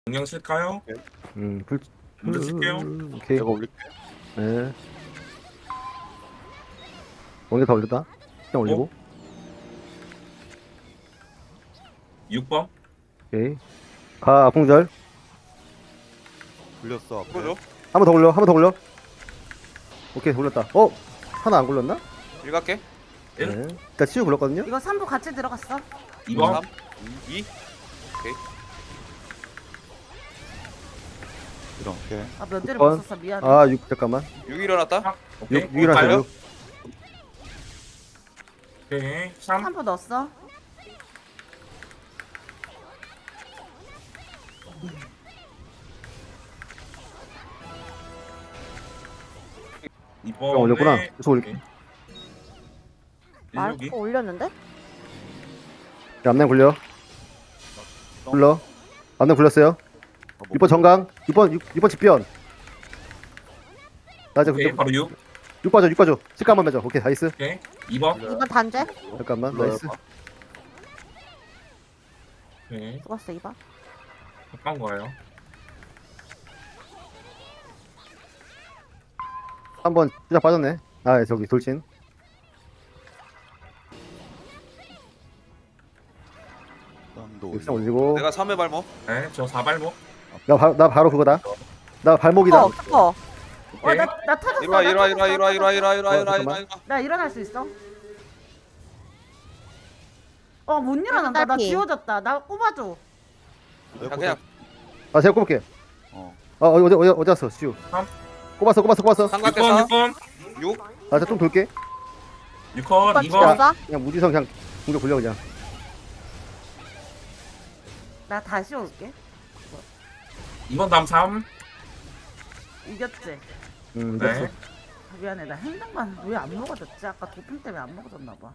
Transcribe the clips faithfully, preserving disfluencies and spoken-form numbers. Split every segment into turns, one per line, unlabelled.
영양 칠까요?
음, 불,
먼저 칠게요.
음, 오케이.
내가 올릴게.
네. 원개 더 올렸다. 그냥 올리고.
육 번.
오케이. 가, 풍절.
굴렸어. 앞에.
풀어줘.
한 번 더 올려, 한 번 더 올려. 오케이, 올렸다. 어? 하나 안 굴렸나?
일 갈게.
네.
일.
일단 치유 굴렸거든요?
이거 삼 부 같이 들어갔어.
이 번.
삼, 이. 오케이.
이렇게.
아 면제를
육 번.
못 썼어. 미안해.
아, 육, 잠깐만.
육 일어났다.
오케이.
육, 육이랑
가요?
육.
오케이. 삼.
삼 부 넣었어.
이
어,
번.
올렸구나. 계속 올릴게.
아,
일육이.
어, 올렸는데?
자, 앞면 굴려. 굴러. 앞면 굴렸어요. 육 번 정강. 육 번, 육, 육 번 집변. 나 이제
오케이. 바로 육.
육 빠져, 육 빠져. 식감 한번 매줘. 오케이, 나이스.
오케이. 이 번.
이번 단죄?
잠깐만,
굴러요.
나이스.
오케이.
죽었어, 이번.
가까운 거예요.
한 번 시작 빠졌네. 아, 저기 돌진.
땀도
육상
올리고.
올리고.
내가 삼 회 발목.
네. 저 사발목.
나, 바, 나 바로 그거다. 나 발목이다.
어, 어.
오케이.
어나나 터졌어.
일어나
나
일어나
터졌어,
일어나 일어나 일어나 일어나
어,
일어나
잠깐만.
일어나 일어나.
나 일어날 수 있어. 어 못 일어난다. 나
딸피.
지워졌다. 나 꼽아줘.
야 그냥
아, 제가 꼽을게.
어.
아, 어, 어디, 어디, 어디 왔어, 시우.
삼.
꼽았어, 꼽았어, 꼽았어.
삼
육
갈게.
번.
사.
육 번.
육.
아, 자좀 돌게.
육 컷.
이번
이 번.
죽었어?
그냥 무지성 그냥 공격 굴려, 그냥.
나 다시 올게.
이 번 다음 삼.
이겼지.
음, 이겼어.
네.
아, 미안해. 나 행동만 왜 안 먹어졌지? 아까 도핑 때문에 안 먹어졌나 봐.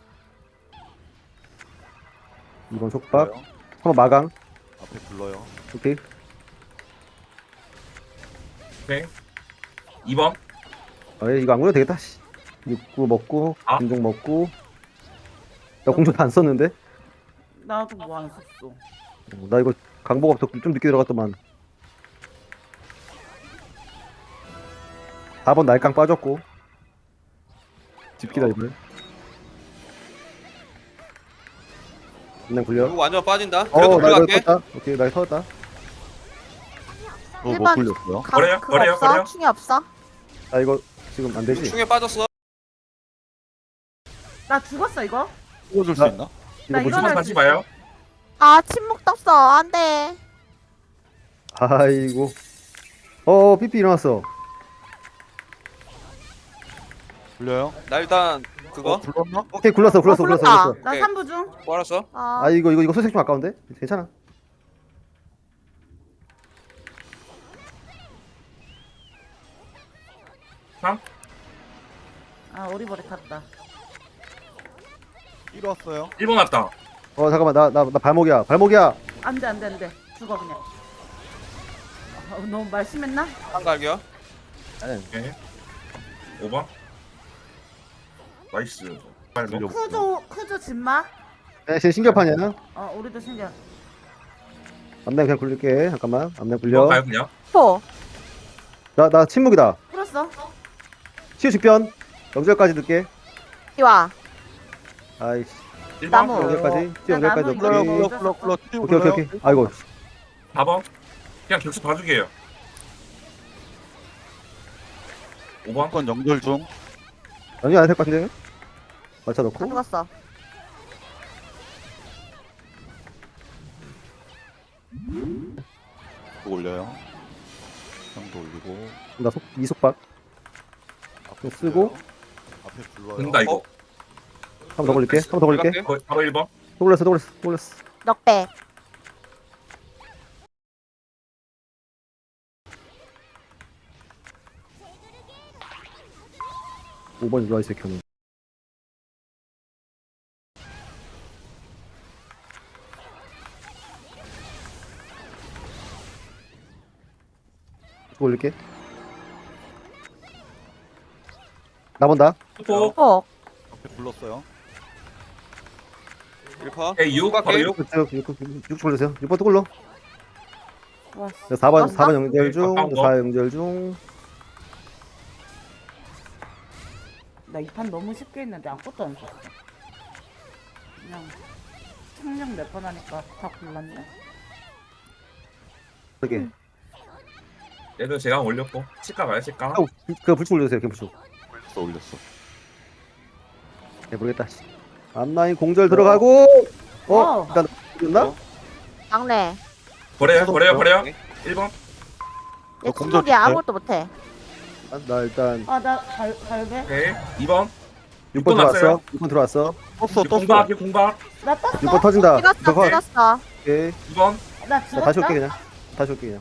이번 속박.
굴러요.
한번 마강.
앞에 굴러요.
오케이.
오케이. 이 번.
아, 이거 안 굴려도 되겠다, 씨. 육구 먹고,
아.
공중 먹고. 나 공중 다 안 썼는데?
나도 뭐 안 썼어.
어, 나 이거 강보가 더 좀 늦게 들어갔더만. 사 번 날강 빠졌고. 집기다, 이번에. 그냥 굴려.
육 완전 빠진다. 그래도
어, 나 이거
들어갈게.
터졌다. 오케이, 나 이거 터졌다.
너뭐
일번
굴렸어요?
가,
버려요?
그거
버려요?
없어?
버려요?
충이 없어?
아, 이거 지금 안
육
되지?
충에 빠졌어.
나 죽었어 이거.
찍어줄 수
나-
있나?
이거
나
뭐지?
일어날
다시
수
봐요.
아, 침묵 떴어. 안 돼.
아이고. 어, 삐삐 일어났어.
굴려요?
나 일단 그거.
어, 굴렀나?
오케이, 굴렀어, 굴렀어,
어,
굴렀어,
굴렀다.
굴렀어.
나
오케이.
삼 부 중.
뭐 알았어?
아,
아, 이거, 이거, 이거 소색 좀 아까운데? 괜찮아.
삼.
아 오리버리 탔다.
일 왔어요.
일 번 왔다.
어, 잠깐만, 나, 나, 나 발목이야. 발목이야.
안돼 안돼 안돼. 죽어 그냥. 아, 너무 말 심했나?
한 갈게요.
오케이. 오 번. 나이스. 발목.
쿠조 쿠조 진마.
네, 제 신경판이야.
어 우리도 신기해.
앞내 그냥 굴릴게. 잠깐만. 앞내
이 번
굴려.
가요 그냥.
포.
나, 나 침묵이다.
풀었어.
치유 직변. 영절까지 넣게.
이와.
아이씨.
일 번.
나무.
영절까지. 치유
나
영절까지
나무
굴러요,
넣게.
이거-
굴러, 굴러, 굴러. 튀어
오케이, 오케이,
굴러요.
오케이. 아이고.
사 번. 그냥 격수 봐주게요. 오 번.
건 연결 중.
연이 안될 것 같은데? 맞춰
다
놓고.
죽었어.
또 올려요. 형도 올리고.
나 속, 이속박.
앞에
쓰고.
굴려요. 앞에 굴러요.
된다 이거.
한 번 더 걸릴게. 한 번 더 걸릴게.
갈게.
거- 바로 일 번.
또 올렸어, 또 올렸어, 또 올렸어.
넉백.
오 번 일로와, 이 새끼는. 또 올릴게. 나 본다.
포.
포.
앞에 굴렀어요.
일 퍼.
오케이 육. 바로
갈게.
육.
육, 육, 육, 육, 육 올렸어요. 육 번 또 굴러.
와, 씨.
사 번
맞나?
사 번 연결 중.
가까운 거.
사 연결 중.
나 이 판 너무 쉽게 했는데 아무것도 안 썼어. 그냥 착륙 몇 번 하니까 다 골랐네.
저기.
얘도 제가 올렸고 치과 가요 치과.
형, 그 불축 올려주세요. 그 불축.
올렸어 올렸어.
네, 모르겠다. 씨. 앞라인 공절 들어가고. 어,
어.
일단 됐나?
어?
막내.
버려요 버려요 버려요.
네.
일 번.
얘
어, 공절
침묵이야.
줄까요?
아무것도 못해.
아, 나 일단
아, 나 갈, 갈배?
오케이. 이 번.
육 번
났어요.
들어왔어. 육 번 들어왔어.
떴어
공박
떴어.
공박.
나 떴어?
육 번 터진다.
찍었어,
저거
찍었어.
오케이.
이 번.
나
자,
죽었다?
다시 올게 그냥. 다시 올게 그냥.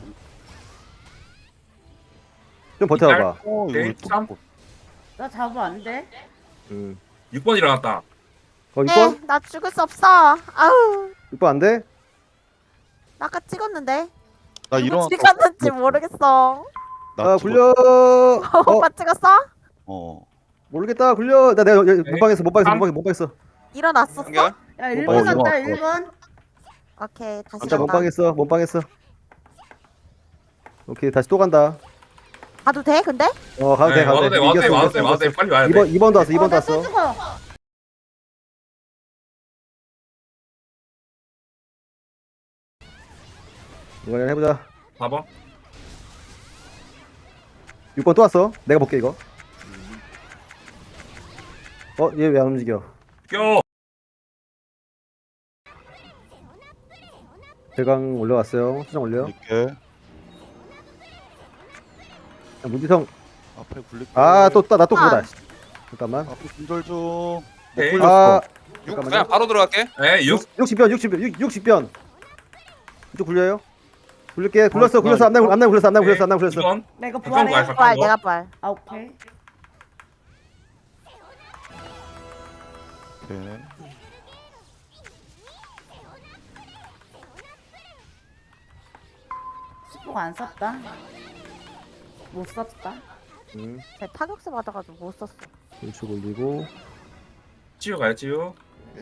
좀 버텨봐.
어 이거
오케이,
왜 또-
삼.
나 잡으면 안 돼?
음.
육 번 일어났다.
어, 육
네,
번?
나 죽을 수 없어. 아우,
육 번 안 돼?
나 아까 찍었는데.
나
누구
일어났어.
찍었는지 모르겠어.
나
아,
찍었어.
굴려. 어,
오빠 찍었어?
어.
모르겠다. 굴려. 나 내가 여기
네.
못방했어. 못방했어.
삼.
못방했어. 못방했어.
일어났었어?
연결.
야,
어,
일 번
일어났어.
갔다, 일 번.
오케이, 다시
진짜
간다.
못방했어. 못방했어. 오케이, 다시 또 간다.
가도 돼, 근데?
어, 가도 돼.
네,
가도
와도
돼.
돼 와도 돼
이겼어,
와도 돼
이겼어,
와도 돼
이겼어.
빨리 와야 돼.
이번 이번도 왔어.
어,
이번도
나 또
왔어.
죽어.
이번엔 해보자.
사 번.
육 번 또 왔어. 내가 볼게 이거. 어, 얘 왜 안 움직여?
껴.
대강 올라왔어요. 수정 올려.
굴릴게.
야, 문지성.
앞에 굴릴게.
아, 또 나 또
아.
그거다. 씨. 잠깐만.
앞에 공절 중. 못
오케이.
굴렸어.
아,
육
잠깐만요.
그냥 바로 들어갈게.
네 육.
육십 변, 육십 변, 육십 변. 이쪽 굴려요? 굴릴게. 굴렸어,
어,
굴렸어. 앞날 앞날 굴렸어, 앞날 굴렸어,
네,
앞날
이
굴렸어.
번.
나 이거
가까운 거야
부활해.
가까운
부활,
거.
내가 부활.
아, 오케이.
오케이.
십포가 안 썼다. 못 썼다.
음,
쟤 타격세 받아가지고 못 썼어.
우측 올리고.
치유 가요 치유.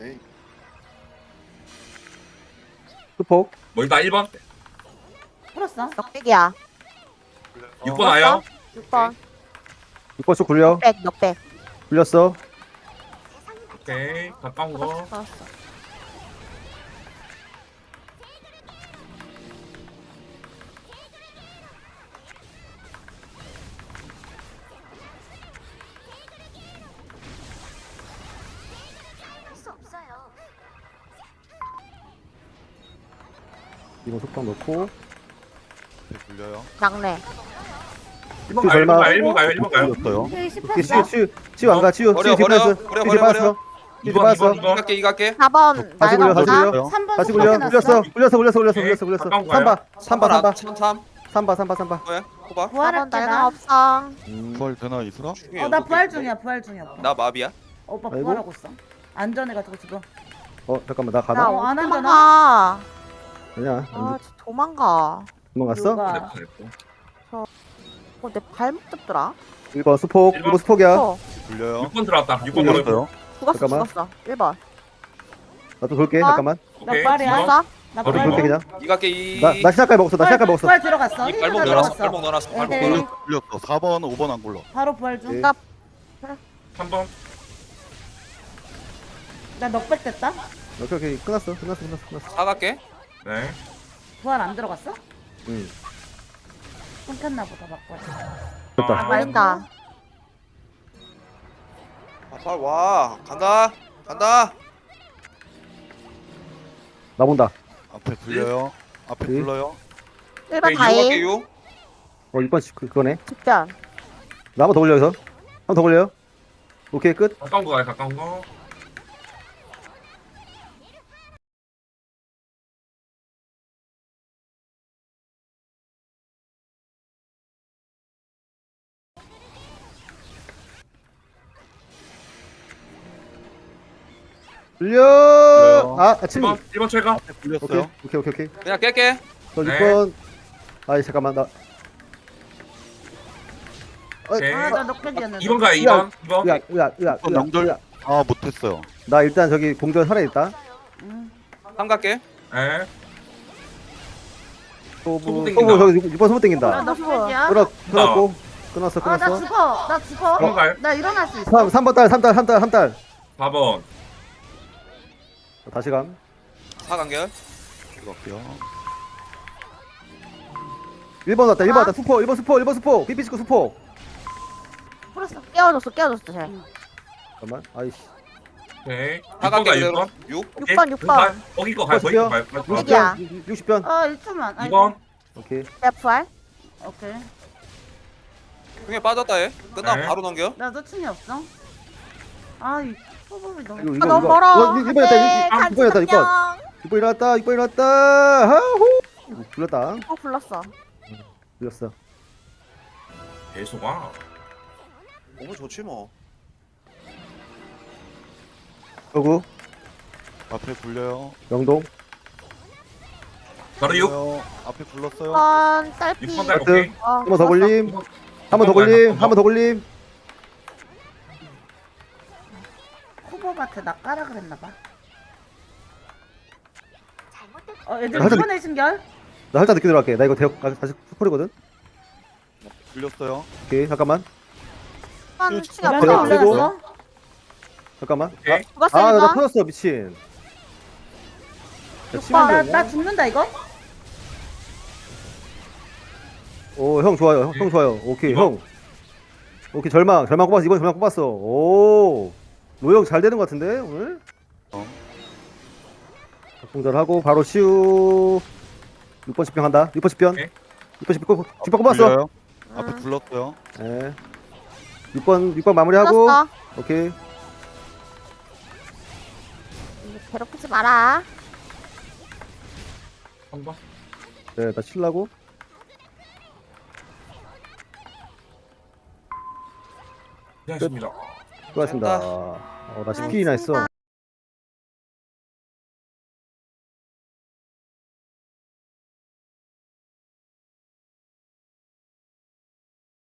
수폭.
멀다 일 번.
풀었어.
넉백이야.
육 번 와요.
육 번.
육 번 쭉 굴려.
넉백, 넉백.
굴렸어.
오케이 가까운 거.
풀었어, 풀었어.
이번 속박 넣고.
앞에 굴려요.
막내.
일 번 가요 일 번 가요 일 번 가요 일 번 가요.
굴렸어요.
오케이,
오케이,
씹혔어.
치유, 치유, 치유 안 가, 치유.
버려,
치유
버려,
디파이스.
버려,
치유
버려,
디파이스.
버려.
치유
이 번, 이 번,
디파이스.
이 번.
이갈게 이갈게.
사 번.
다시 굴려, 다시
날가
굴려.
삼 번
다시 굴려.
속박해
굴렸어.
놨어.
굴렸어, 굴렸어, 굴렸어,
오케이,
굴렸어, 굴렸어.
가까운
삼 바, 삼 바, 삼 바.
삼 삼.
삼 바, 삼 바, 삼 바.
뭐야? 호박.
사 번
부활할게,
날가
나.
없어.
음.
부활 되나 이슬아?
어, 나 부활 중이야, 부활 중이야. 오빠.
나 마비야.
오빠
아이고.
부활하고 있어. 안전해가지고 지금.
어, 잠깐만, 나
나
가나?
어, 안
어디
하잖아.
도망가.
아니야.
아, 진짜 도망가.
도망갔어?
누가?
어, 내 발목 잡더라.
일 번 수폭. 일 번 수폭이야.
어,
굴려요.
육 번 들어왔다. 육 번 들어왔다.
굴렸어요.
죽었어,
잠깐만.
죽었어. 일 번.
나도 돌게.
아.
잠깐만.
나
오케이,
부활이야.
이번.
죽었어?
나
바로
부활.
돌게 그냥.
이갈게 이.
나, 나 시작까지 먹었어. 나 시작까지 먹었어.
부활 들어갔어.
이
힐
발목
들어갔어.
넣어놨어. 발목 넣어놨어. 발목
에헤이.
넣어놨어.
굴렸, 굴렸어. 사 번, 오 번 안 굴러.
바로 부활 중.
예.
나
삼 번.
나 넉백 됐다.
오케이, 오케이. 끝났어. 끝났어, 끝났어, 끝났어.
사갈게.
네.
부활 안 들어갔어?
응.
끊겼나 보다 바꿔.
됐다.
아,
걸린다.
아, 빨리 와. 간다. 간다.
나 본다.
앞에 굴려요. 앞에
네.
굴러요.
일 번
네,
다이.
이갈게 유.
어, 육 번 그, 그거네.
직변.
나 한 번 더 올려, 여기서. 한 번 더 올려요. 오케이, 끝.
가까운 거 가요 가까운 거.
올려! 아, 아,
일
친구.
번 일 번 최강.
앞에
오케이,
굴렸어요.
오케이, 오케이, 오케이.
그냥 깰게.
저
네.
육 번. 아이, 잠깐만, 나.
오케이.
아, 나 넉백이었는데.
이 번 가요 이 번. 이 번.
으악, 으악, 으악,
번
으악,
명절.
으악.
아 못했어요.
나 일단 저기 공전 살아있다.
응.
삼 갈게.
네.
소부
소부
소부
땡긴다.
저기 육 번 소부
아,
땡긴다.
나 풀이야.
끊어 끊었고 끊었어
아, 나
끊었어.
죽어. 나 죽어.
한가요?
나 일어날 수 있어.
삼 삼 번 딸 삼 딸 삼 딸 삼 딸.
사 번.
다시 감.
사 간결.
이거요.
일 번 왔다 일 번
아.
왔다 수포 일 번 수포 일 번 수포 피피 찍고 수포.
풀었어. 깨워줬어. 깨워줬어. 쟤.
잠깐만 아이씨.
오케이.
사
육 번가
간결
육
그대로.
번.
육.
육 번, 육 번.
거기 거 갈, 거기 거 갈. 거기 거 갈.
야.
육십 변 육십 변.
어, 일 초만.
이 번.
오케이.
내 부활.
오케이.
흥에 빠졌다 얘. 끝나면
네.
바로 넘겨.
나도 충이 없어. 아, 이 소금이 너무.
이거
아,
이거
너무
이거.
멀어.
일 번이었다
네,
일 번이었다 육 번.
간지럽냐.
육 번 일어났다 육 번 일어났다. 하호. 불렀다.
어, 불렀어.
불렸어.
대수가.
너무 좋지 뭐.
서구
앞에 굴려요.
영동
바로 육.
굴려요. 앞에 굴렀어요.
번 딸피.
육 번 갈.
하트.
오케이.
어,
한 번 더
불렀어.
걸림. 한 번 더 걸림. 한 번 더 걸림.
코보밭에 나 까라 그랬나봐. 어, 애들
하여튼-
이번에 신결?
나 살짝 늦게 들어갈게. 나 이거 대역 아, 다시 스포리거든.
굴렸어요.
오케이 잠깐만
번
쭉
충이
내가
내가
없어.
그리고-
올라갔어?
잠깐만.
오케이.
죽었어.
아 나
일 번.
터졌어 미친. 야,
육
치면
번.
나,
되냐?
나 죽는다, 이거?
오형 좋아요 형, 형 좋아요. 오케이
이번.
형. 오케이 절망 절망 꼽았어 이번 절망 꼽았어. 오 로형 잘 되는 것 같은데 오늘.
어.
공절하고 바로 시우 육 번 십변 한다. 육 번 십변.
오케이.
육 번 십변 십 번 꼽았어.
굴려요. 앞에
음.
굴렀어요.
예. 육 번 육 번 마무리하고.
불렀어.
오케이.
괴롭히지 마라.
한 번.
네, 나 칠라고.
고생하셨습니다.
수고하셨습니다. 어, 나 십 킬이나 했어.